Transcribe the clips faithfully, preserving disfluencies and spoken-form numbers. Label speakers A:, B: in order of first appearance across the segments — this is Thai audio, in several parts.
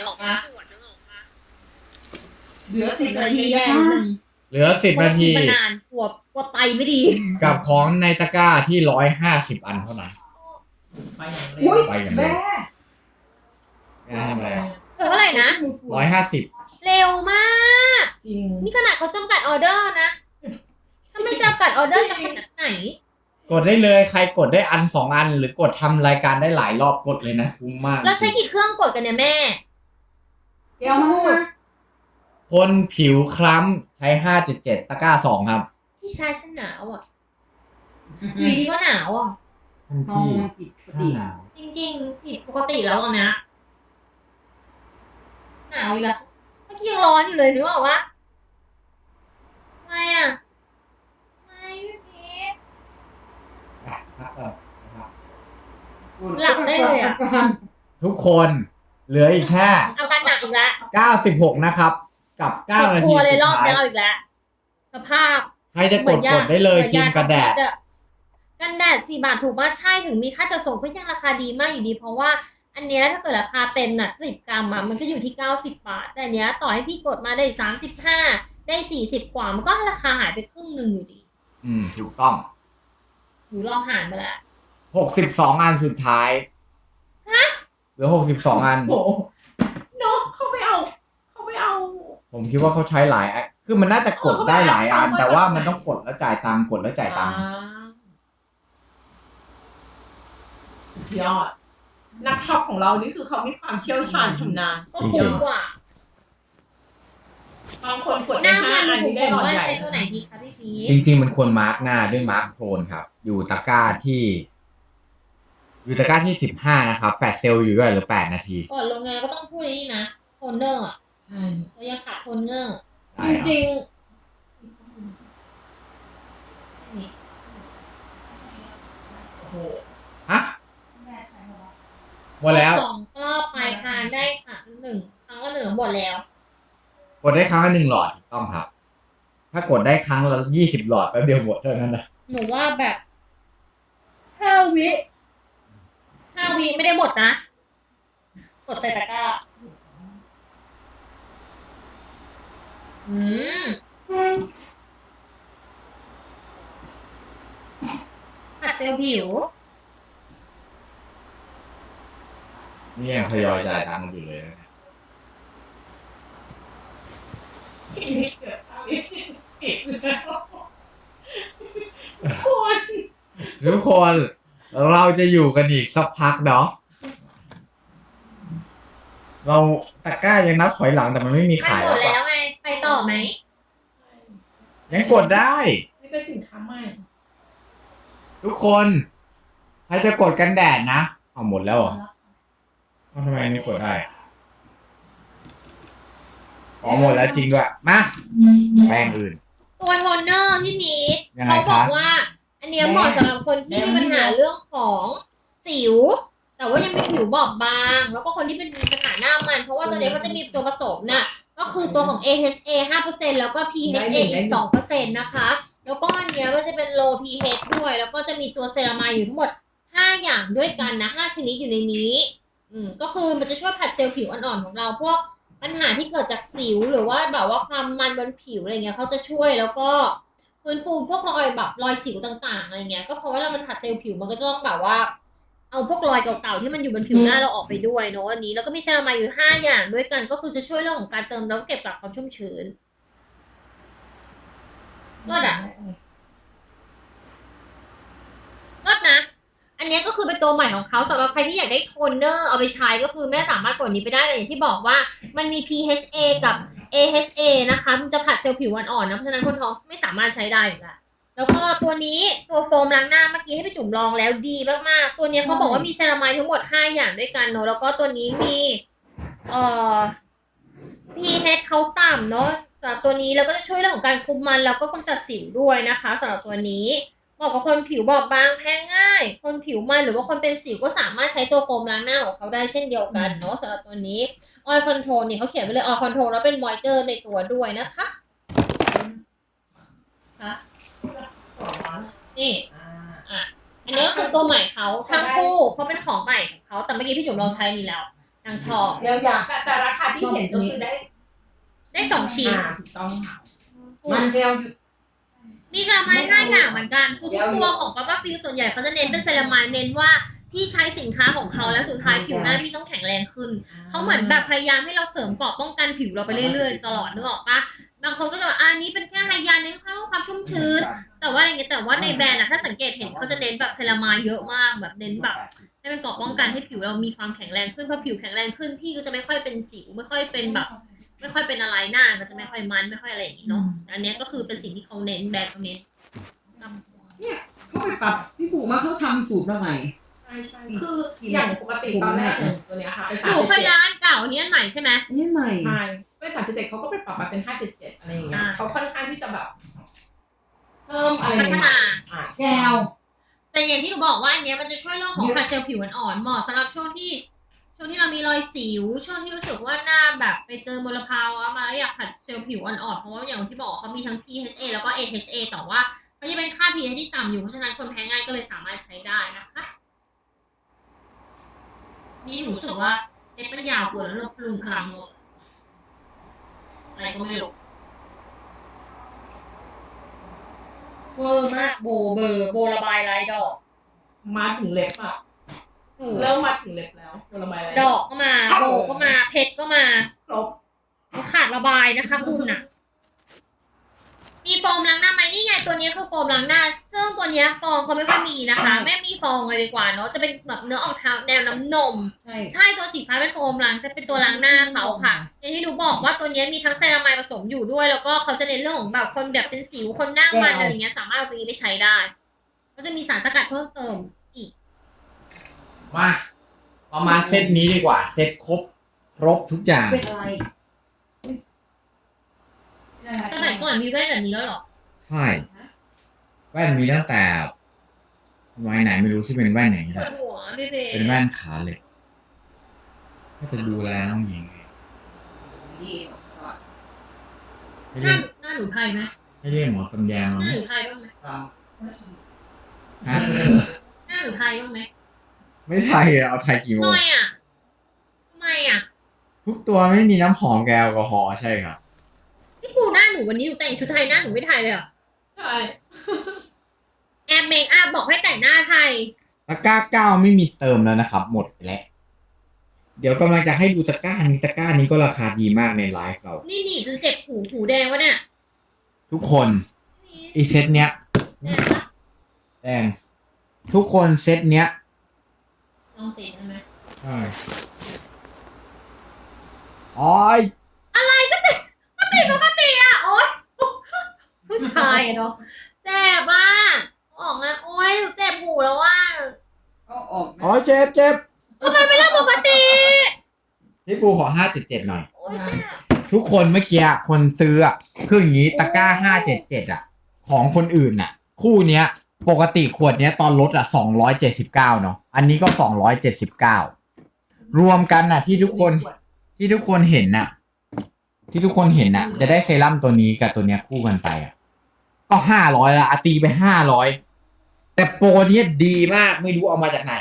A: นึกออกปะ
B: เหลือสิบนาที
A: แย่
B: นะ
A: หนึ่ง
C: เหลือสิบนาที
A: มานานกลัวกลัวไตไม่ดี
C: กับของในตะกร้าที่ร้อยห้าสิบอันเท่านั้น
B: ไปอย่างเร็
C: อุ๊
B: วย
C: ไปอย่างเร็
B: แม่
C: ว งานทำอะไรอ่ะ
A: เออเท่าไหร่นะ
C: ร้อยห้าสิบ
A: เร็วมาก
B: จริง
A: นี่ขนาดเขาจำกัดออเดอร์นะ ถ้าไม่จำกัดออเดอร์จะขนาดไหน
C: กดได้เลยใครกดได้อันสองอัน หรือกดทำรายการได้หลายรอบกดเลยนะคุ้มมาก
A: แล้วใช้กี่เครื่องกดกันเนี่ยแม่
B: เดี๋ยวมา
C: คนผิวคล้ำใช้ห้าเจ็ดเจ็ดตะกร้าสองครับ
A: พี่ชายฉันหนาวอ่ะอยู่ดีก็หนาวอ่ะ
C: ท่าน
B: ห้อง
C: พี่
B: มันปิดปกติ
C: หนาว
A: จริงๆผิดปกติแล้วอะนะหนาวอีกแล้วเมื่อกี้ยังร้อนอยู่เลยนึกออกปะทำไมอ่ะทำไมพี่พีช
C: อ่ะพักก่อนนะครับ
A: หลับได้เลยอะ
C: ทุกคนเหลืออีกแค่
A: อาการหนักอีกแล้ว
C: เก้าสิบหกนะครับ กับเก้านา
A: ค
C: ที
A: รัวเลย
C: สุด
A: รอบ
C: ท้าย
A: นี้เอาอีกแล้ว สภาพ
C: ใครจะกดกดได้เลยครีมกันแดด
A: กันแดดสี่บาทถูกมากใช่ถึงมีค่าจัดส่งก็ยังราคาดีมากอยู่ดี เพราะว่าอันเนี้ยถ้าเกิดราคาเต็มน่ะสิบกรัมอ่ะมันก็อยู่ที่เก้าสิบบาท แต่อันเนี้ยต่อให้พี่กดมาได้สามสิบห้าได้สี่สิบกว่ามันก็ราคาหายไปครึ่งหนึ่งอยู่ดี
C: อืมถูกต้อง
A: หนูลองหารไปแล้ว
C: หกสิบสองอันสุดท้ายเหลือหกสิบสองอัน
B: โอ้โหเนาะเขาไม่เอาเขาไม่เอา
C: ผมคิดว่าเขาใช้หลายอันคือมันน่าจะกดได้หลายอัน แต่ว่ามันต้องกดแล้วจ่ายตังค์กดแล้วจ่ายตังค์
B: ยอด นักช็อปของเรานี่คือเขามีความเชี่ยวชาญชำนาญ
A: ก็คุ้มกว่า
B: บางคนกด
A: ห
B: ได้
A: น้า
B: ห้า
A: มัน
B: อัน
A: ถู
B: นี้
A: ก
B: ได้
A: บอก
B: หลอด
A: ว่า
B: ใหญ่
A: ใช้ตัวไหนดีคะพี่พีช
C: จริง ๆ มันควรมาร์กหน้าด้วยมาร์กโทนครับ อยู่ตะกร้าที่ อยู่ตะกร้าที่สิบห้านะครับ แฟลชเซลล์อยู่ด้วยเหรือแปดนาที
A: ก่อนลงงานก็ต้องพูดนี่นะโทนเนอร์อะ
B: ใช่
A: เรายังขาดโทนเนอร์
C: ได้
B: จ
C: ครับ
B: ริง
A: นี่
B: ๆโอ้โห
C: ฮะหมดแล้ว
A: สองรอบปลายทางได้ค่ะหนึ่งครั้งละหนึ่งหมดแล้ว
C: กดได้ครั้งละหนึ่งหลอดถูกต้องครับ ถ้ากดได้ครั้งละยี่สิบหลอดแป๊บเดียวหมดเท่านั้นนะ
A: หนูว่าแบบ
B: ห้าวิ
A: ห้าวิไม่ได้หมดนะ กดใส่ตะกร้าอืมผัดเซลล์ผิว
C: นี่ยังทยอยจ่ายตังค์อยู่เลยนะ
B: เกิดห้าวิปิดแล้วคน
C: ทุกคนเราจะอยู่กันอีกสักพักเนาะเราตะกร้ายังนับถอยหลังแต่มันไม่มี
A: มัน
C: ขาย
A: หม
C: แล้
A: ด
C: ว
A: แล้ว
C: ปะ
A: ไง ไปต่อไหม
C: ยังกดได้
B: นี่เป็นสินค้าใหม่
C: ทุกคนใครจะกดกันแดดนะเอาหมดแล้วเหรอเอาทำไมอันนี้กดได้อ๋อหมดแล้วจริงด้วยมาแป้งอื่น
A: ตัวโทนเนอร์พี่พีท
C: ยังไง
A: เขาบอก
C: คะ
A: ว่า อันเนี้ยเหมาะสำหรับคนที่มีปัญหาเรื่องของสิว แต่ว่ายังเป็นผิวบอบบาง แล้วก็คนที่เป็นมีปัญหาหน้ามัน เพราะว่าตัวเนี้ยเขาจะมีตัวผสมน่ะ ก็คือตัวของ เอ เอช เอ ห้าเปอร์เซ็นต์ แล้วก็ พี เอช เอ อีก สองเปอร์เซ็นต์ นะคะ แล้วก็อันเนี้ยมันจะเป็น low พี เอช ด้วย แล้วก็จะมีตัวเซรามายอยู่ทั้งหมด ห้า อย่างด้วยกันนะ ห้า ชนิดอยู่ในนี้ อืม ก็คือมันจะช่วยผัดเซลล์ผิวอ่อนๆของเรา พวกปัญหาที่เกิดจากสิวหรือว่าแบบว่าความมันบนผิวอะไรเงี้ยเขาจะช่วยแล้วก็ฟื้นฟูพวกรอยแบบรอยสิวต่างๆอะไรเงี้ย ก็เพราะว่าเรามันผัดเซลล์ผิวมันก็จะต้องแบบว่า เอาพวกรอยเก่าๆที่มันอยู่บนผิวหน้าเราออกไปด้วยเนาะอันนี้แล้วก็มีเซรามายอยู่ห้าอย่างด้วยกัน ก็คือจะช่วยเรื่องของการเติมแล้วก็เก็บกักความชุ่มชื้นรอดอ่ะรอดนะ อันนี้ก็คือเป็นตัวใหม่ของเขาสำหรับใครที่อยากได้โทนเนอร์เอาไปใช้ก็คือแม่สามารถกดนี้ไปได้แต่อย่างที่บอกว่ามันมี พี เอช เอ กับ เอ เอช เอ นะคะมันจะผัดเซลล์ผิวอ่อนๆนะเพราะฉะนั้นคนท้องไม่สามารถใช้ได้อยู่แล้วแล้วก็ตัวนี้ตัวโฟมล้างหน้าเมื่อกี้ให้ไปจุ่มลองแล้วดีมากๆตัวนี้เขาบอกว่ามีเซรามายทั้งหมดห้าอย่างด้วยกันเนาะแล้วก็ตัวนี้มีเอ่อ พี เอช เขาต่ำเนาะสำหรับตัวนี้แล้วก็จะช่วยเรื่องของการคุมมันแล้วก็กำจัดสิวด้วยนะคะสำหรับตัวนี้เหมาะกับคนผิวบอบบางแพ้ง่าย คนผิวมันหรือว่าคนเป็นสิวก็สามารถใช้ตัวโฟมล้างหน้าของเขาได้เช่นเดียวกันเนาะสำหรับตัวนี้ Oil Control นี่เขาเขียนไว้เลย Oil Control แล้วเป็น Moisture ในตัวด้วยนะคะค่ะนี่
B: อ่า
A: อันนี้ก็คือตัวใหม่เขาทั้งคู่เขาเป็นของใหม่ของเขาแต่เมื่อกี้พี่จุ๋มลองใช้นี่แล้วนางชอบ
B: เดี๋ยวอยากแต่แต่ราคาที่เห็นก็คือได้
A: ได้สองชิ้น
B: อ่าถูกต้องค่ะ
D: มันเรียวอยู่
A: มีเซรามายห้าอย่างเหมือนกันคือทุกตัวของปั๊บปั๊บฟิลส่วนใหญ่เขาจะเน้นเป็นเซรามายเน้นว่าพี่ใช้สินค้าของเขาแล้วสุดท้ายผิวหน้าพี่ต้องแข็งแรงขึ้นเขาเหมือนแบบพยายามให้เราเสริมเกราะป้องกันผิวเราไปเรื่อยๆตลอดนึกออกปะบางคนก็จะแบบอันนี้เป็นแค่ไฮยาเน้นความชุ่มชื้นแต่ว่าอะไรเงี้ยแต่ว่าในแบรนด์อะถ้าสังเกตเห็นเขาจะเน้นแบบเซรามายเยอะมากแบบเน้นแบบให้เป็นเกราะป้องกันให้ผิวเรามีความแข็งแรงขึ้นพอผิวแข็งแรงขึ้นพี่ก็จะไม่ค่อยเป็นสิวไม่ค่อยเป็นแบบ ไม่ค่อยเป็นอะไรหน้าก็จะไม่ค่อยมันไม่ค่อยอะไรอย่างนี้เนาะอันเนี้ยก็คือเป็นสิ่งที่เขาเน้นแบรนด์เขาเน้น
D: เขาไปปรับพี่ปู่มาเขาทำสูตรมาใหม่
B: ใช่ใช่คืออย่างปกติตอนแรกเนี่ยตัวเนี้ยค่ะเป็น
A: ห
B: สาม
A: นู
B: สิบ
A: เคย
B: เจ็ด
A: ร้านเก่าอันนี้อันใหม่ใช่ไหม
D: นี่ใหม่
B: ใช่เป็นสามสิบเจ็ดเขาก็ไปปรับมาเป็นห้าเจ็ดเจ็ดอะไรอย่างเงี้ย
A: อ่า
B: เขาค่อนข้างที่จะแบบเพิ่มอะไร
A: พัฒ
B: ใหม่
A: นา
B: ๆอ่า
D: แก้ว
A: แต่อย่างที่หนูบอกว่าอันเนี้ยมันจะช่วยเรื่องของขัดเซลล์ผิวอ่อนๆเหมาะสำหรับช่วงที่ช่วงที่เรามีรอยสิวช่วงที่รู้สึกว่าหน้าแบบไปเจอมลภาวะมาแล้วอยากขัดเซลล์ผิวอ่อนๆเพราะว่าอย่างที่บอกเขามีทั้ง พี เอช เอ แล้วก็ เอ เอช เอ แต่ว่าเขาจะเป็นค่า พี เอช ที่ต่ำอยู่เพราะฉะนั้นคนแพ้ง่ายก็เลยสามารถใช้ได้นะคะนี่หนูรู้สึกว่าเล็บมันยาวเกินแล้วลบลุงพลังหมดอะไรก็ไม่รู้เวอร์มากโบเบอร์โบระบายลายดอก
B: มาถึงเล็บอะเริ่มมาถึงเล็บแล้วตัวระบายอะไร
A: ดอกก็มาโบก็มาเพชรก็มา
B: ครบ
A: ขาดระบายนะคะคุณน่ะ มีโฟมล้างหน้าไหมนี่ไงตัวนี้คือโฟมล้างหน้า ซึ่งตัวเนี้ยฟองเขาไม่ค่อยมีนะคะ ไม่มีฟองเลยดีกว่าเนาะจะเป็นแบบเนื้อออกทางแนวน้ำนม
D: ใช่
A: ใช่ตัวสีฟ้าเป็นโฟมล้างแต่เป็นตัวล้างหน้าเขาค่ะอย่างที่หนูบอกว่าตัวเนี้ยมีทั้งเซรามายผสมอยู่ด้วย แล้วก็เขาจะเน้นเรื่องของแบบคนแบบเป็นสิวคนหน้ามันอะไรเงี้ยสามารถเอาตัวนี้ไปใช้ได้ก็จะมีสารสกัดเพิ่มเติมอีก
C: มาประมาณเซตนี้ดีกว่า เซตครบครบทุกอย่าง
D: เป็นอะไร
A: สมัยก่อนมีแว่นแบบนี้แล้วเหรอ
C: ใช่แว่นมีตั้งแต่ไว้ไหนไม่รู้ที่เป็นแว่นไหน
A: ป
C: แห
A: ว
C: ละ
A: ดหัวพี่เบ
C: เป็นแว่นขาเหล็กก็จะดูแลน้องหญิงไงให้
A: ห
C: เรี
A: น้าย
C: ก
A: หน้าหนูไทยไหม
C: ให้เรียกหมอตำแยง
A: ห
C: มา
A: น้า
C: ไหม
A: หนูไทยบ้างไหม
C: ฮะ
A: หน้าหนูไทยบ้างไหม
C: ไม่ไทยอะเอาไทยกี่โม
A: ห
C: ง
A: น่อยอ่ะทำไมอ่ะ
C: ทุกตัวไม่มีน้ำหอมแอลกอฮอล์ใช่ครับ
A: พี่ปูหน้าหนูวันนี้หนูแต่งชุดไทยหน้าหนูไม่ไทยเลยเหรอ่ะ
B: ใช่
A: แอบเมคอัพบอกให้แต่งหน้าไทย
C: ตะกร้าเก้าไม่มีเติมแล้วนะครับ หมดไปแล้ว เดี๋ยวกำลังจะให้ดูตะกร้านี้ตะกร้านี้ก็ราคาดีมากในไลฟ์เรา
A: นี่นี่จนเจ็บหูหูแดงวะเนี่ย
C: ทุกคนอีเซตเนี้ย
A: แดงปะ
C: แดงทุกคนเซตเนี้ย
A: ลองติดได้ไหม
C: ใช่อ๋อย
A: อะไรก็ติดก็ติดปกติอ่ะโอ๊ยผู้ชายอะเนาะเจ็บอ่ะออกมาโอ๊ยหนูเจ็บหูแล้วว่า
D: ก็ออก
C: อ๋อเจ็บเจ็บ
A: ทำไมไม่เล่นปกติ
C: พี่ปูขอห้าเจ็ดเจ็ดหน่อย
A: โอ๊ยเจ็บ
C: ทุกคนเมื่อกี้คนซื้ออะคืออย่างนี้ตะกร้าห้าเจ็ดเจ็ดอะของคนอื่นอะคู่เนี้ย ปกติขวดเนี้ยตอนลดอะสองร้อยเจ็ดสิบเก้าเนาะอันนี้ก็สองร้อยเจ็ดสิบเก้ารวมกันอะที่ทุกคนที่ทุกคนเห็นน่ะ ที่ทุกคนเห็นน่ะ จะได้เซรั่มตัวนี้กับตัวเนี้ยคู่กันไปอะก็ห้าร้อยละอะตีไปห้าร้อยแต่โปรเนี้ยดีมากไม่รู้เอามาจากไหน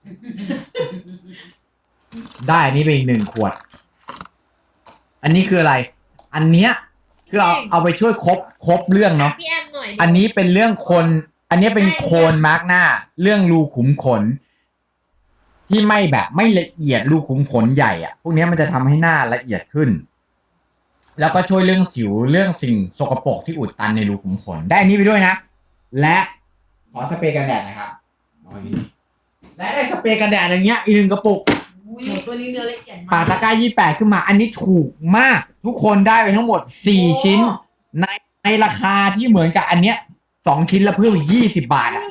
C: ได้อันนี้ไปอีกหนึ่งขวด อันนี้คืออะไร อันเนี้ยคือเอาเอาไปช่วยครบครบเรื่องเนาะ
A: พี่แอมหน่อยดิ
C: อันนี้เป็นเรื่องคน อันนี้เป็นโคนมาร์กหน้า เรื่องรูขุมขน ที่ไม่แบบไม่ละเอียดรูขุมขนใหญ่อะพวกนี้มันจะทำให้หน้าละเอียดขึ้น แล้วก็ช่วยเรื่องสิวเรื่องสิ่งสกปรกที่อุดตันในรูขุมขน ได้อันนี้ไปด้วยนะ และขอสเปรย์กันแดดนะครับเอาอันนี้และได้สเปรย์กันแดดอย่างเงี้ยอีกหนึ่งกระปุก
B: หนูตัวนี้เนื้อละเอียด
C: ปาม
B: าก
C: ตะกร้ายี่แปดขึ้นมา อันนี้ถูกมาก ทุกคนได้ไปทั้งหมดสี่ชิ้น ในในราคาที่เหมือนกับอันเนี้ยสองชิ้นละเพิ่มอีกยี่สิบบาทอ่ะ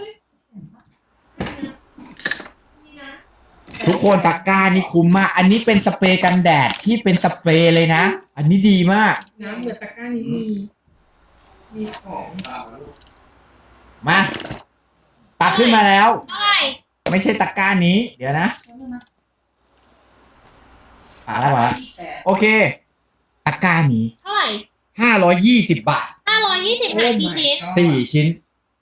C: ทุกคนตะกร้านี่คุ้มมาก อันนี้เป็นสเปรย์กันแดดที่เป็นสเปรย์เลยนะ อันนี้ดีมาก
B: น้ำเหมือนตะกร้านี้มีมีของ
C: มาปักขึ้นมาแล้ว
A: เท่าไหร่
C: ไม่ใช่ตะกร้านี้ เดี๋ยวนะปักแล้วปักแล้วโอเค ตะกร้านี้
A: เท่าไหร่
C: ห้าร้อยยี่สิบบาท
A: ห้าร้อยยี่สิบหารกี่ชิ้น
C: สี่ชิ้น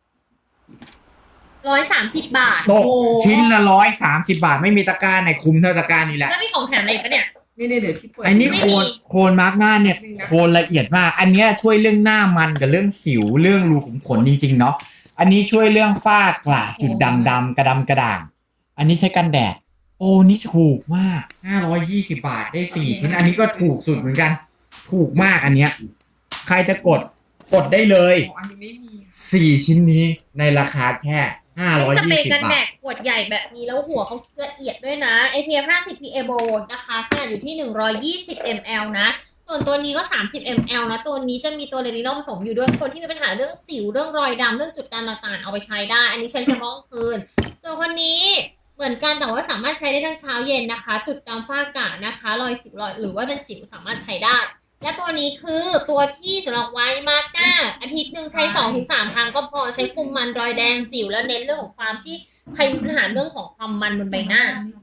A: ร้อยสามสิบบาท
C: ตกชิ้นละร้อยสามสิบาท ไม่มีตะกร้าในคุ้มเท่าตะกร้านี้แหละ
A: แล้วมีของแถมอะไรอีกปะเนี่ย
D: นี่นี่เดี๋ยวที่เปิด
C: อันนี้โคนโคนมาร์กหน้าเนี่ยโคนละเอียดมาก อันเนี้ยช่วยเรื่องหน้ามันกับเรื่องสิวเรื่องรูขุมขนจริงๆเนาะอันนี้ช่วยเรื่องฝ้ากระจุดด่างดำกระดำกระด่าง อันนี้ใช้กันแดดโอ้นี่ถูกมากห้าร้อยยี่สิบบาทได้สี่ชิ้นอันนี้ก็ถูกสุดเหมือนกัน ถูกมากอันเนี้ยใครจะกดกดได้เลย
D: อ๋ออันนี้ไม่มี
C: สี่ชิ้นนี้ในราคาแค่ห้าร้อย
A: สเปร
C: ยี่
A: ย์
C: สิบ
A: กัน
C: บา
A: แด
C: ท
A: ดขวดใหญ่แบบนี้แล้วหัวเขาละเอียดด้วยนะ เอ พี เอฟ ห้าสิบ พี เอ Bold นะคะขนาดอยู่ที่หนึ่งร้อยยี่สิบมิลลิลิตร นะ ส่วนตัวนี้ก็สามสิบมิลลิลิตร นะ ตัวนี้จะมีตัวเรนินอลผสมอยู่ด้วยคนที่มีปัญหาเรื่องสิวเรื่องรอยดำเรื่องจุดด่างต่างๆเอาไปใช้ได้ อันนี้ใช้เฉพาะกลางคืน ส่วนคนนี้เหมือนกันแต่ว่าสามารถใช้ได้ทั้งเช้าเย็นนะคะ จุดดำฝ้ากระนะคะ รอยสิวรอยหรือว่าเป็นสิวสามารถใช้ได้ และตัวนี้คือตัวที่สำหรับไว้มาร์กหน้าอาทิตย์หนึ่งใช้ สองถึงสาม ครั้งก็พอใช้คุมมันรอยแดงสิวแล้วเน้นเรื่องของความที่ใครมีปัญหาเรื่องของความมันบนใบหน้า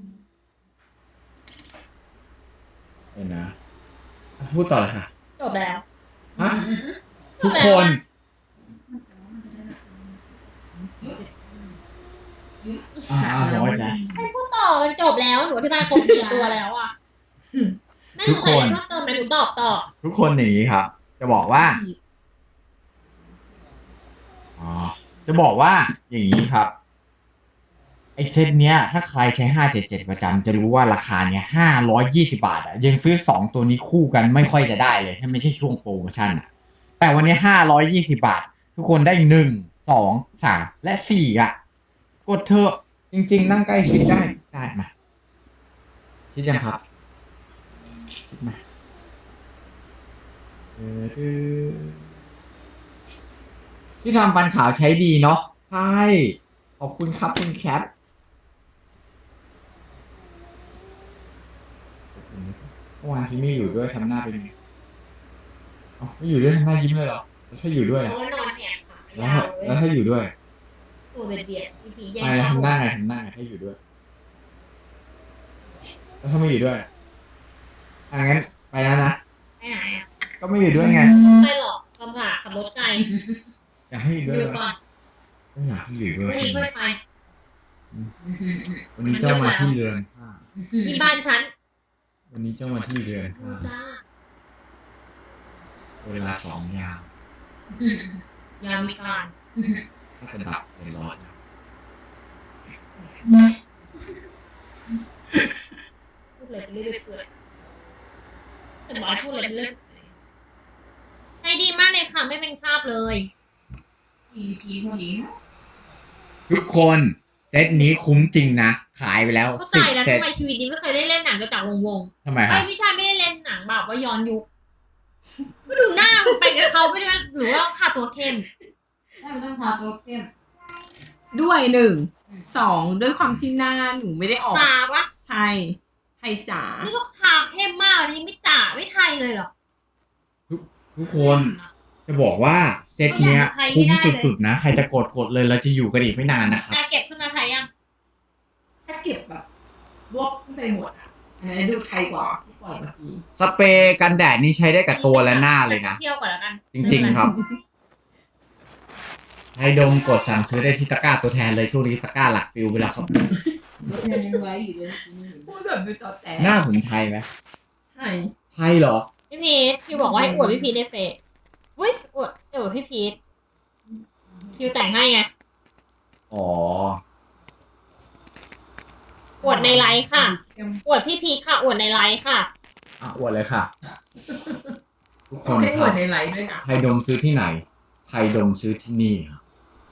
C: เห็นนะพูดต่อเลยค่ะ
A: จบแล้ว
C: ฮะทุกคน อ่าน้อยใจ
A: ให้พูดต่อมันจบแล้วหนูอธิบายครบสี่ตัวแล้วอ่ะแม่หนูใส่อะไรเพิ่มเติมไหมหนูตอบต่อ
C: ทุกคนอย่างนี้ครับ จะบอกว่าอ๋อจะบอกว่าอย่างนี้ครับ ไอเซตเนี้ย ถ้าใครใช้ห้าเจ็ดเจ็ดประจำจะรู้ว่าราคาเนี้ยห้าร้อยยี่สิบาทอ่ะยังซื้อสองตัวนี้คู่กันไม่ค่อยจะได้เลยถ้าไม่ใช่ช่วงโปรโมชั่นอ่ะ แต่วันนี้ห้าร้อยยี่สิบาท ทุกคนได้หนึ่งสองสามและสี่อ่ะ กดเถอะจริง ๆ นั่งใกล้ชิดได้ได้มาคิดยังครับคิดมาเออที่ทำฟันขาวใช้ดีเนาะใช่ขอบคุณครับคุณแคทเมื่อวานที่ไม่อยู่ด้วยทำหน้าเป็นไงอ๋อไม่อยู่ด้วยทำหน้ายิ้มเลยเหรอแล้วถ้าอยู่ด้วย
A: เพ
C: อะ
A: ราะว่านอนแหกขา
C: แล้ว
A: ยา
C: ถ้าว
A: เลย
C: แล้วถ้าอยู่ด้วย
A: ตัวเบียดๆพี่ผีแย่ง
C: อะไร
A: ข้าว
C: ทำหน้าไงทำหน้าไงถ้าอยู่ด้วย แล้วถ้าไม่อยู่ด้วยอ่ะงั้นไปแล้วนะ
A: ไปไหนอ่ะ
C: ก็ไม่อยู่ด้วยไง
A: ไม่หรอกลำบากขับรถไกล
C: อยากให้อยู่ด้วย
A: ดู
C: เหร
A: ก่อ
C: อน ไม่อยากให้อยู่ด้
A: พ
C: วย
A: รุ่งนี้ค่อยไป
C: วันนี้เจ้ามาที่เรือนข้า
A: ที่บ้านฉัน
C: วันนี้เจ้ามาที่เรือนข้า
A: จ้า
C: เวลาสองยาม
A: ยามวิการ
C: ถ้าจะดับเป็นร้อยนะ
A: พูดเลยเรื่อยๆเกิดแต่บอกให้พูดเลยเรื่อยๆใจดีมากเลยค่ะไม่เป็นคราบเลย
D: ทีทีเท่านี้
C: ทุกคนเซตนี้คุ้มจริงนะ ขายไปแล้ว
A: เข้า
C: สิ
A: ใจ
C: บ
A: แล้ว
C: เซต
A: ทำไมชีวิตนี้ไม่เคยได้เล่นหนังกระจากวงวง
C: ทำไม
A: ๆ
C: ครั
A: เอ้
C: บ
A: ยไม่ใช่ไม่ได้เล่นหนังแบบว่าย้อนยุคก็ดูหน้ามันไปกับเขาไม่ได้หรือว่าค่าตัวเข้ม
D: แล้วต้องทาตัวเข้ม
B: ด้วยหนึ่งสองด้วยความที่หน้าหนูไม่ได้ออก
A: ตาวะ
B: ไทยไทยจ๋า
A: นี่ก็ทาเข้มมากเลยยังไม่จ่าไม่ไทยเลยเหรอ
C: ทุกคนจะบอกว่าเซตเนี้ย คุ้มสุดๆนะ ใครจะกดกดเลยเราจะอยู่กันอีกไม่นานนะครับ
A: อ่ะเก็บขึ้นมาไทยยัง
D: ถ้าเก็บแบบรวบไปหมดอ่ะอันนี้ดูไทยกว่าที่ปล่อยเมื่อกี้
C: สเปรย์กันแดดนี่ใช้ได้กับตัวและหน้าเลยนะ
A: เที่ยวก่อนแล้วกัน
C: จริงๆครับไฮดมกดสั่งซื้อได้ที่ตะกร้าตัวแทนเลยช่วงนี้ตะกร้าหลักปิวไปแล้วครับ
D: รถยังไว้อยู่เลย
B: พูดแบบดูต่อแต่
C: หน้าผมไทยไหม
B: ไทย
C: ไทยเหรอ
A: พี่พีทคิวบอกว่าให้อวดพี่พีทในเฟซอุ้ยอวดอวดพี่พีทคิวแต่งให้ไง
C: อ๋อ
A: อวดในไลฟ์ค่ะ อวดพี่พีทค่ะ อวดในไลฟ์ค่ะ
C: อ่ะอวดเลยค่ะ ทุกคน
B: ไม่
C: ค
B: เหมื
C: รั
B: อบ นในไลฟ์ด้วยนะ
C: ไทยดมซื้อที่ไหน ไทยดมซื้อที่นี่ครับ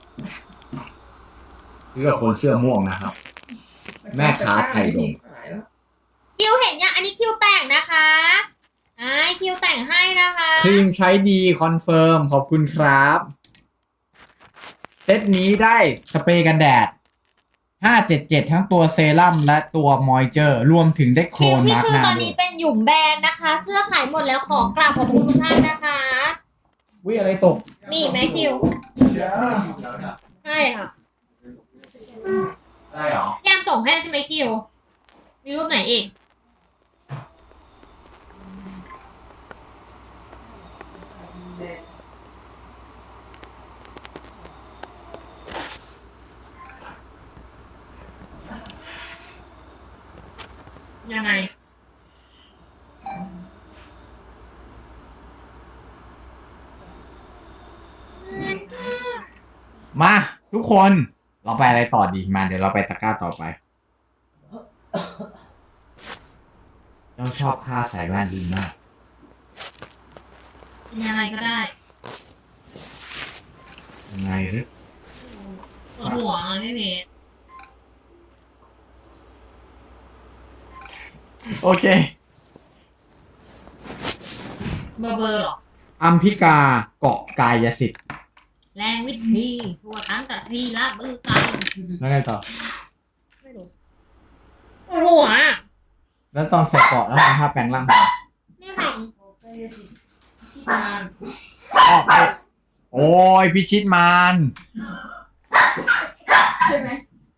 C: ซื้อกับคนเสื้อม่วงนะครับ แม่ค้าไทยดม
A: คิวเห็นยังอันนี้คิวแต่งนะคะไอ้คิวแต่งให้นะคะ
C: ครีมใช้ดีคอนเฟิร์มขอบคุณครับเซตนี้ได้สเปรย์กันแดด ห้าเจ็ดเจ็ด ทั้งตัวเซรั่มและตัวมอยเจอร์ รวมถึงได้โคร
A: คิวน ที่
C: มาร์ก
A: ชื่
C: ห
A: อ
C: น้า
A: ตอน
C: ด้ว
A: นี้
C: ย
A: เป็นหยุ่มแบรนด์นะคะ เสื้อขายหมดแล้วขอกราบขอบคุณทุกท่านนะคะ
C: วิอะไรตก
A: นี่แม่คิว ใช่ค่ะ
C: ได้เหรอ
A: แยมส่งให้ใช่ไหมคิว มีรูปไหนอีก ยังไง
C: มาทุกคนเราไปอะไรต่อดีมาเดี๋ยวเราไปตะกร้าต่อไปเราชอบค่าใส่แว่นดีมาก
A: เป็นอะไรก็ได้
C: ยังไงหรือ
A: ปวดหัวไม่เพชร
C: โอเค
A: เบอร์เบอร์หรอ
C: อัมพิกาเกาะกายสิทธิ์
A: แรงวิธีทั่วทั้งแต่ที่ละมือกัน
C: แล้วไงต่อ
A: ไม่รู้ปวดหัวอ่ะ
C: แล้วตอนใส่เกาะแล้วทำท่าแปลงร่าง
A: ไม่ท
C: ออกไปโอ้ยพิชิตมาร
B: ใช่ไหม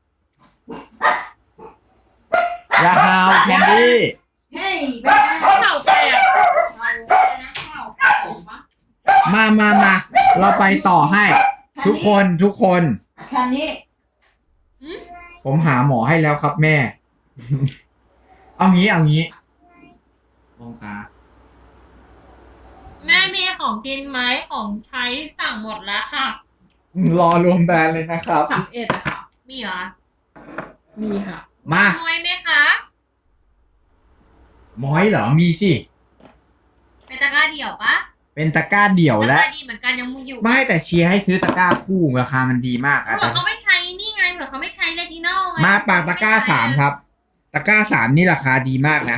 C: ยาฮาวแคนดี้
B: เฮ้ยแม่
A: ำเข่าแตก
B: เราอะไรนะข้าวข้าวผมปะ
C: มามามาเราไปต่อให้ ทุกคนทุกคน
B: แค่นี้
C: ผมหาหมอให้แล้วครับแม่ เอางี้เอางี้มองตา
A: แม่มีของกินไหมของใช้สั่งหมดแล้วค่ะ
C: รอรวมแบรนด์เลยนะครับ
B: สามเอ็ดอะค่ะ
A: มีเหรอ
B: มีค่ะ
C: มา
A: น้อยไหมคะ
C: หมอยเหรอมีสิ
A: เป็นตะกร้าเดี่ยวปะ
C: เป็นตะกร้าเดี่ยว
A: รา
C: และ
A: คาดีเหมือนกันยังมูอยู่
C: ไม่แต่เชียร์ให้ซื้อตะกร้าคู่ราคามันดีมากอะ
A: เผื่อเขาไม่ใช้นี่ไงเผื่อเขาไม่ใช้เลติโน่ไง
C: มาปากตะกร้าสามครับ ตะกร้าสามนี่ราคาดีมากนะ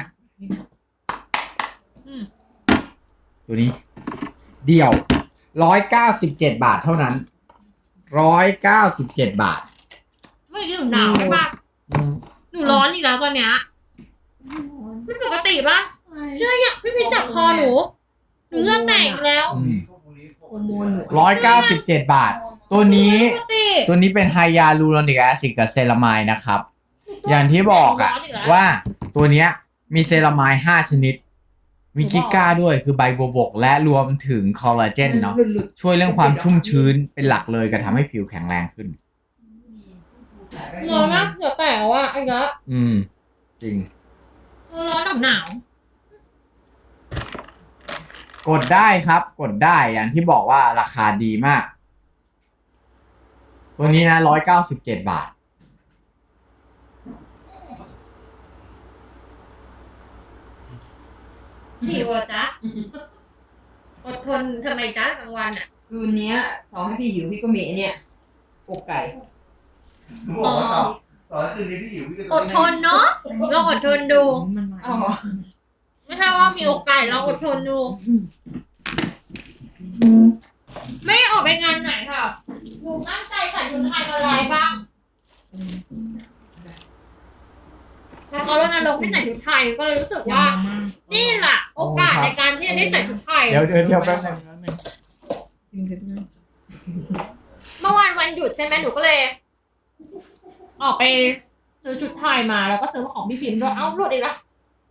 A: อืม
C: ตัวนี้ เดี่ยวร้อยเก้าสิบเจ็ดบาทเท่านั้นร้อยเก้าสิบเจ็ดบาท
A: ไม่ได้หนูหนาวใช่ปะ
C: อืม
A: หนูร้อนอีกแล้วตอนเนี้ยไม่ปกติปะเชื่อยังพี่พิจับคอหนูหนูเลือดแตกอีกแล้ว
B: โฮอร์โมนหนู
C: ร้อยเก้าสิบเจ็ดบาท ตัวนี้
A: ปกติ
C: ตัวนี้เป็นไฮยาลูโรนิกแอซิดกับเซรามายนะครับ อย่างที่บอกอะว่าตัวเนี้ยมีเซรามายห้าชนิด มีกิก้าด้วยคือใบบัวบก และรวมถึงคอลลาเจนเนาะ
B: หลุด
C: ช่วยเรื่องความชุ่มชื้นเป็นหลักเลยกับทำให้ผิวแข็งแรงขึ้น
A: ร้อนมากเหงื่อแตกว่ะไอ้ละ
C: อืม จริง
A: ร้อนหนาว
C: กดได้ครับ กดได้อย่างที่บอกว่าราคาดีมาก ตัวนี้นะร้อยเก้าสิบเจ็ดบาท
A: หิวอ่ะจ๊ะอดทนทำไมจ๊ะกลางวันอ่ะ
B: คืนเนี้ยต่อให้พี่หิวพี่ก็มีไอ้เนี่ยอกไก่
E: บอกว่าต่อต่อคืนนี้พี่หิวพี่ก็
A: อดทนเนาะลองอดทนดู
B: อ๋อ
A: ไม่ใช่ว่ามีโอกาสลองอดทนดู ไม่ออกไปงานไหนค่ะหนูตั้งใจใส่ชุดไทยอะไรบ้างพอเขาลดนรกให้ใส่ชุดไทยก็เลยรู้สึกว่า นี่แหละโอกาสในการที่จะได้ใส่ชุดไทย
C: เดี๋ยวเดี๋ยวเดี๋ยวแป๊บนึงแป๊บนึง
A: เมื่อวานวันหยุดใช่ไหมหนูก็เลย ออกไปซื้อชุดไทยมาแล้วก็ซื้อมาของพี่พิมพ์ด้วยเอ้าหลุดอีกแล้ว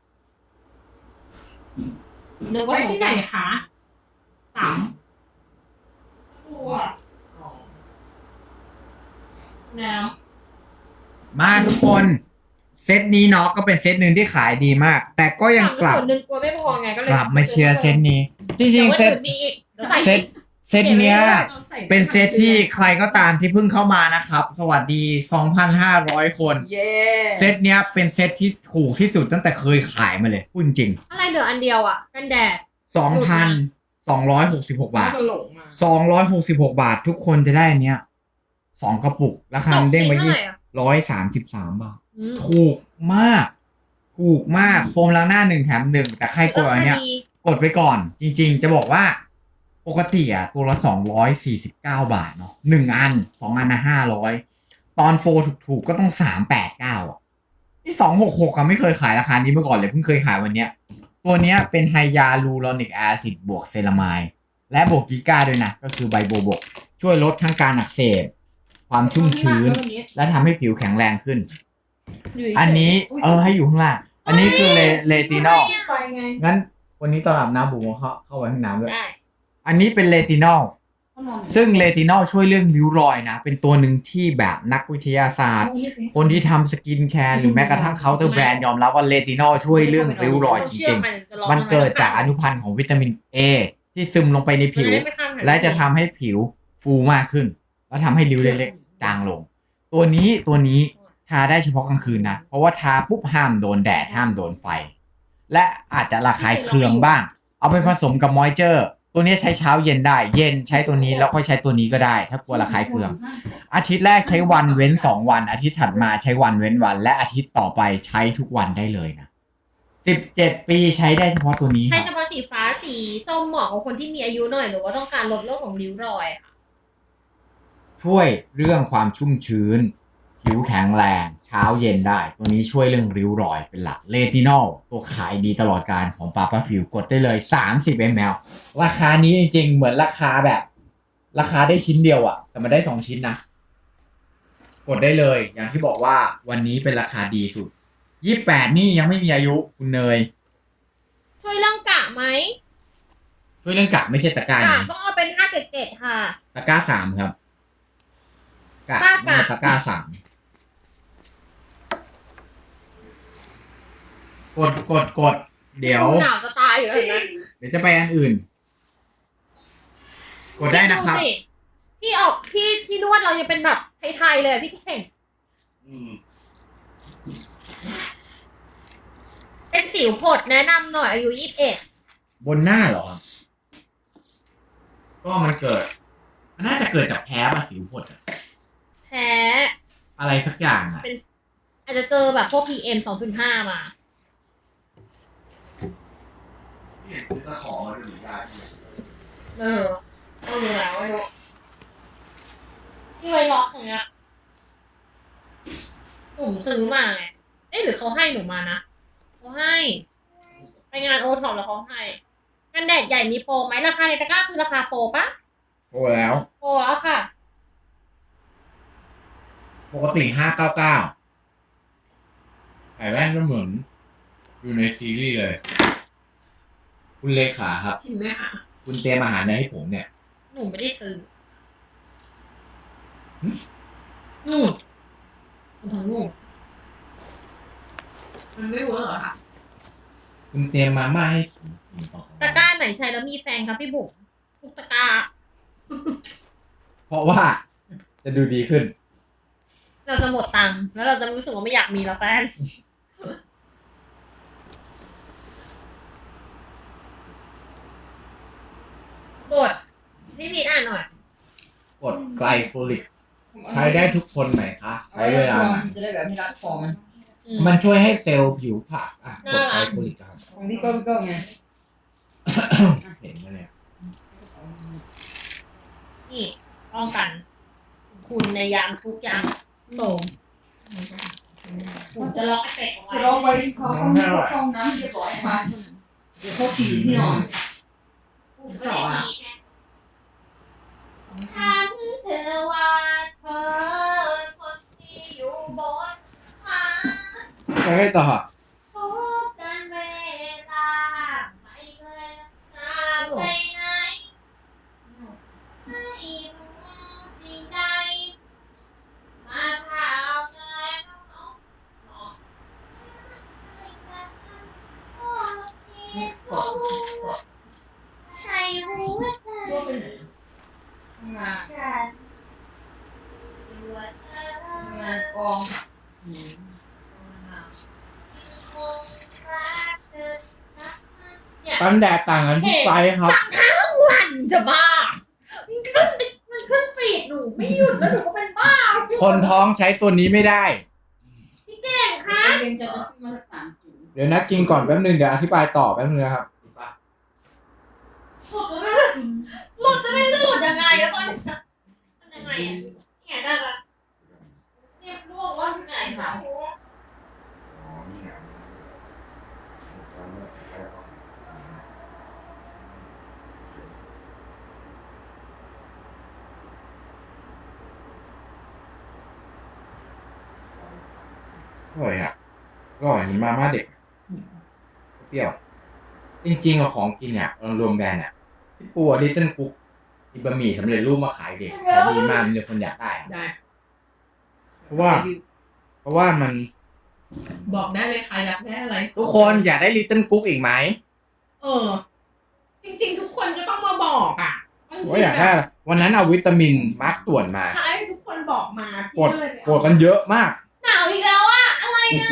A: เนื้อ
B: ไป
A: ว่า
B: ที่ไหนคะสาม
A: น้
C: มาทุกคน เซตนี้เนาะก็เป็นเซตหนึ่งที่ขายดีมาก แต่ก็
A: ำ
C: ยังกลับ
A: ส่วนหนึ่งกลัวไม่พอไงก็เลย
C: กลับมาเชียร์เซตนี้ จริงๆเซต
A: มีอีก
C: เซตเซตเนี้ย เป็นเซตที่ใครก็ตามที่เพิ่งเข้ามานะครับ สวัสดี สองพันห้าร้อย คน
B: เย้
C: เซตเนี้ยเป็นเซตที่ถูกที่สุดตั้งแต่เคยขายมาเลยพูดจริง
A: อะไรเหลืออันเดียวอ่ะกันแดด
C: สองพันสองร้อยหกสิบหกบาท
B: ก็หลงมา
C: สองร้อยหกสิบหกบาททุกคนจะได้อันเนี้ยสองกระปุก ราคาเด้งไป
A: เท่า
C: ยี่
A: ไหร่อ่ะ
C: ร้อยสามสิบสามบาท
A: อืม
C: ถูกมาก ถูกมาก โฟมล้างหน้าหนึ่งแถมหนึ่งแต่ใครกดอันเนี้ย
A: ราคาดี
C: กดไปก่อน จริงๆ จะบอกว่า ปกติอ่ะตัวละสองร้อยสี่สิบเก้าบาทเนาะหนึ่งอันสองอันนะห้าร้อยตอนโปรถูกๆ ก็ต้องสามแปดเก้าอ่ะนี่สองหกหกอะไม่เคยขายราคานี้มาก่อนเลยเพิ่งเคยขายวันเนี้ย ตัวเนี้ยเป็นไฮยาลูโรนิกแอซิดบวกเซรามายและบวกกิก้าด้วยนะ ก็คือใบโบบก ช่วยลดทั้งการอักเสบ ความชุ่มชื้น และทำให้ผิวแข็งแรงขึ้น อันนี้เออให้อยู่ข้างล่างอันนี้คือเลเลตินอล
B: ไปไง
C: งั้นวันนี้ตอนอาบน้ำบุ๋มเข้าเข้าไปห้องน้ำด้วย
A: ได้
C: อันนี้เป็นเลตินอล ซึ่งเลตินอลช่วยเรื่องริ้วรอยนะ เป็นตัวหนึ่งที่แบบนักวิทยาศาสตร์ คนที่ทำสกินแคร์หรือแม้กระทั่งเคาน์เตอร์แบรนด์ยอมรับว่าเลตินอลช่วยเรื่องริ้วรอยจริงๆ มันเกิดจากอนุพันธ์ของวิตามิน A ที่ซึมลงไปในผิว และจะทำให้ผิวฟูมากขึ้นแล้วทำให้ริ้วเล็กๆจางลง ตัวนี้ตัวนี้ทาได้เฉพาะกลางคืนนะ เพราะว่าทาปุ๊บห้ามโดนแดดห้ามโดนไฟ และอาจจะระคายเคืองบ้าง เอาไปผสมกับมอยเจอร์ ตัวนี้ใช้เช้าเย็นได้ เย็นใช้ตัวนี้แล้วค่อยใช้ตัวนี้ก็ได้ ถ้ากลัวระคายเคือง อาทิตย์แรกใช้วันเว้นสองวัน อาทิตย์ถัดมาใช้วันเว้นวัน และอาทิตย์ต่อไปใช้ทุกวันได้เลยนะสิบเจ็ดปีใช้ได้เฉพาะตัวนี้ค
A: ใช้
C: รับ
A: เฉพาะสีฟ้าสีส้มเหมาะกับคนที่มีอายุหน่อยหรือว่าต้องการลดโรคของริ้วรอยค่ะ
C: ช่วยเรื่องความชุ่มชื้น ผิวแข็งแรงเช้าเย็นได้ ตัวนี้ช่วยเรื่องริ้วรอยเป็นหลักเลตินอลตัวขายดีตลอดการของปาปาฟิวกดได้เลยสามสิบมิลลิลิตร ราคานี้จริงๆเหมือนราคาแบบ ราคาได้ชิ้นเดียวอะแต่มันได้สองชิ้นนะ กดได้เลยอย่างที่บอกว่าวันนี้เป็นราคาดีสุดยี่สิบแปดนี่ยังไม่มีอายุคุณเนย
A: ช่วยเรื่องกะไหม
C: ช่วยเรื่องกะไม่ใช่ตะกร้าก
A: ะ
C: นี้
A: ต้องเอาเป็นห้าเจ็ดเจ็ดค่ะ
C: ตะกร้าสามครับกะ
A: กะกะ
C: ตะกร้าสามกดกดกดเดี๋ยว
A: หนาวจะตายอยู่แล้วเห็นไหม
C: เดี๋ยวจะไปอันอื่น กดได้นะครับ
A: ดูสิที่ออกที่ที่นวดเรายังเป็นแบบไทยๆเลยพี่เก่ง
E: อืม
A: เป็นสิวผดแนะนำหน่อยอายุยี่สิบเอ็ด
C: บนหน้าเหรอครับก็มันเกิด มันน่าจะเกิดจากแพ้ป่ะสิวผดอะ
A: แพ้
C: อะไรสักอย่างอะ
A: อาจจะเจอแบบพวก พี เอ็ม สองจุดห้า มา
E: นี่คือตะขอมาดูหรือยาที่
A: เออเออแล้วไม่รู้ที่ไว้ล็อกอย่างเงี้ยหนูซื้อมาไงเอ๊ะหรือเขาให้หนูมานะเขาให้ ไปงานโอท็อปแล้วเขาให้กันแดดใหญ่มีโปรไหมราคาในตะกร้าคือราคาโปรปะ
C: โอ้แล้ว
A: โปรแล้วค่ะ
C: ปกติห้าเก้าเก้าใส่แว่นก็เหมือนอยู่ในซีรีส์เลย คุณเลขาครับ
B: ชิมไหมคะ
C: คุณเตรียมอาหารอะไรให้ผมเนี่ย
A: หนูไม่ได้ซื้อ
C: หึ
A: นู่นถึงนู่น
B: มันไม่เวิร์กเหรอคะ
C: คุณเตรียมมาม่าให้ผมกินต่อ
A: ตะกร้าไหนใช้แล้วมีแฟนครับพี่บุ๋มทุกตะกร้า
C: เพราะว่าจะดูดีขึ้น
A: เราจะหมดตังค์แล้วเราจะรู้สึกว่าไม่อยากมีแล้วแฟน กดพี่พีทอ่านหน่อย
C: กดไกลโฟลิก ใช้ได้ทุกคนไหมคะ ใช้เวลาไหน
D: จะได้แบบไม่รัดคอมัน
A: อืม
C: มันช่วยให้เซลล์ผิวผักอ่ะกดไกล
A: น่ารัก
C: โฟลิกครับ
D: ของพี่ก็ก็ไง
C: เห็นไหมเนี่ย
A: นี่ป้องกัน คุณในยามทุกอย่างโสมผมจะล็อกเอฟเฟกต์เอาไว้
D: ลองไปเขาเขาไม่เขาห้องน้ำเรียบร้อยมาเดี๋ยวเขาขี่ที่นอน
A: ผมก็ได้ดีฉันเชื่อว่าเธอคนที่อยู่บนฟ้า
C: ใช้ต่อ
A: ทุกการเวลาไม่เคยตามไปไหนให้สิ่งใดมาข่าวแสงของน้องใช่หัวใจ
D: งาน
A: ฉันหัวใจ
D: งานกองอืม
A: คงรักเธอเนี่ย
C: กันแดดต่างกันที่ไซส์ครับ
A: สั่งทั้งวันจะบ้า มันขึ้นมันขึ้นฟีดหนูไม่หยุดแล้วหนูก็เป็นบ้า
C: คนท้องใช้ตัวนี้ไม่ได้
A: พี่เก่งคะ
D: เรียนจะซื้อมาสักสามถุง
C: เดี๋ยวนะกินก่อนแป๊บนึงเดี๋ยวอธิบายต่อแป๊บนึงนะครับ
A: หลุดจะไม่รู้จะหลุดยังไงแล้วตอนนี้มันยังไงอะเนี่ยได้ละเนี่ยลูกว่าที่ไหนคะ
C: อร่อยอ่ะอร่อยเหมือนมาม่าเด็ก เปรี้ยว จริงๆอะของกินเนี่ยรวมแบรนด์อ่ะพี่ปูดิจิตอลกุ๊กมีบะหมี่สำเร็จรูปมาขายเด็กขายดีมากมีคนอยากได้อะ
B: ได้
C: เพราะว่า เพราะว่ามัน
B: บอกได้เลยค่ะอยากได้อะไร
C: ทุกคนอยากได้ลิตเติ้ลกุ๊กอีกไหม
B: เออ จริงๆ ทุกคนก็ต้องมาบอกอ่ะ
C: ว่าอยากได้อะไรวันนั้นเอาวิตามินมาร์กตรวจมา
B: ใช่
C: กดกดกันเยอะมาก
A: หนาวอีกแล้วอะอะไรอะ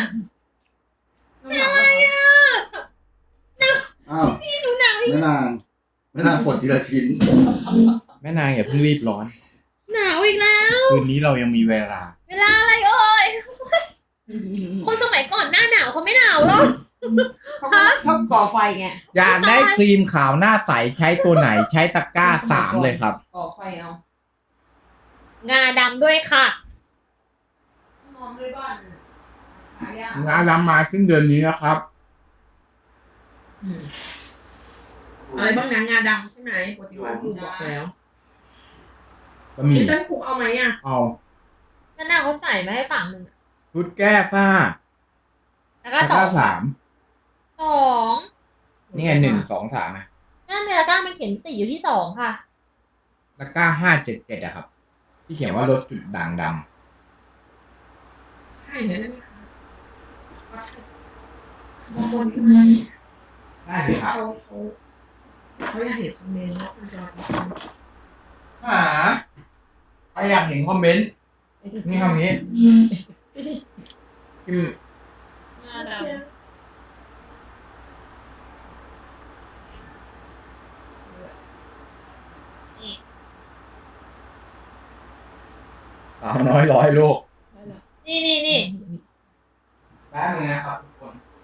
A: อะไรอะ
E: อ้าว
A: พี่หนูหนาวอีก
E: แม่นางแม่นางปลดทีละชิ้น
C: แม่นางอย่าเพิ่งรีบร้อน
A: หนาวอีกแล้ว
C: คืนนี้เรายังมีเวลา
A: เวลาอะไรเอ่ยคนสมัยก่อนหน้าหนาวเขาไม่หนาวหรอก
B: เขาก็เขาก่อไฟไง
C: อยากได้ครีมขาวหน้าใสใช้ตัวไหนใช้ตะกร้าสามเลยครับ
B: ก่อไฟเอา
A: งาดำด้วยค่ะ
B: มองด้วยก่อนหายาก
C: งานรำมาสิ้นเดือนนี้นะครับ
D: อะไรบ้างนะงาดำใช่ไหมปกติว่าครูบอกแล้ว
C: บะหมี่
D: พี่ต้นครูเอาไหมอ่ะ
C: เอา
A: นั่นน่ะเขาใส่มาให้ฝั่งหนึ่งอะ
C: ชุดแก้ฝ้า
A: แล้วก็
C: ตะ
A: ส
C: ก
A: อ
C: ร้าง สาม
A: สอง
C: นี่ไงหนึ่งสองสามนะ
A: นั่นเนื้อก้ามันเขียนติดอยู่ที่สองค่ะ
C: ตะกร้าห้าเจ็ดเจ็ดอะครับ ที่เขียนว่าลดจุดด่างด
D: ใช่เลยนะบางคน
C: ำได้เลยครับ
D: เขาเขาเขาอยากเห็นคอมเมนต์แล้วมันจะ
C: หาใครอยากเห็นคอมเมนต์นี่คำนี้พิมพ์
A: งาดำ
C: สาวน้อยร้อยโลก
A: นี่นี่นี่
C: แป๊บนึงนะครับทุกคน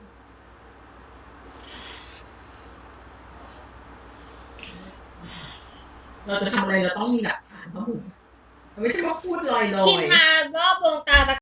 D: เราจะทำอะไรเราต้องมีหลักฐานครับผมไม่ใช่ว่าพูดลอยๆ
A: ครีมทารอบดวงตาตะ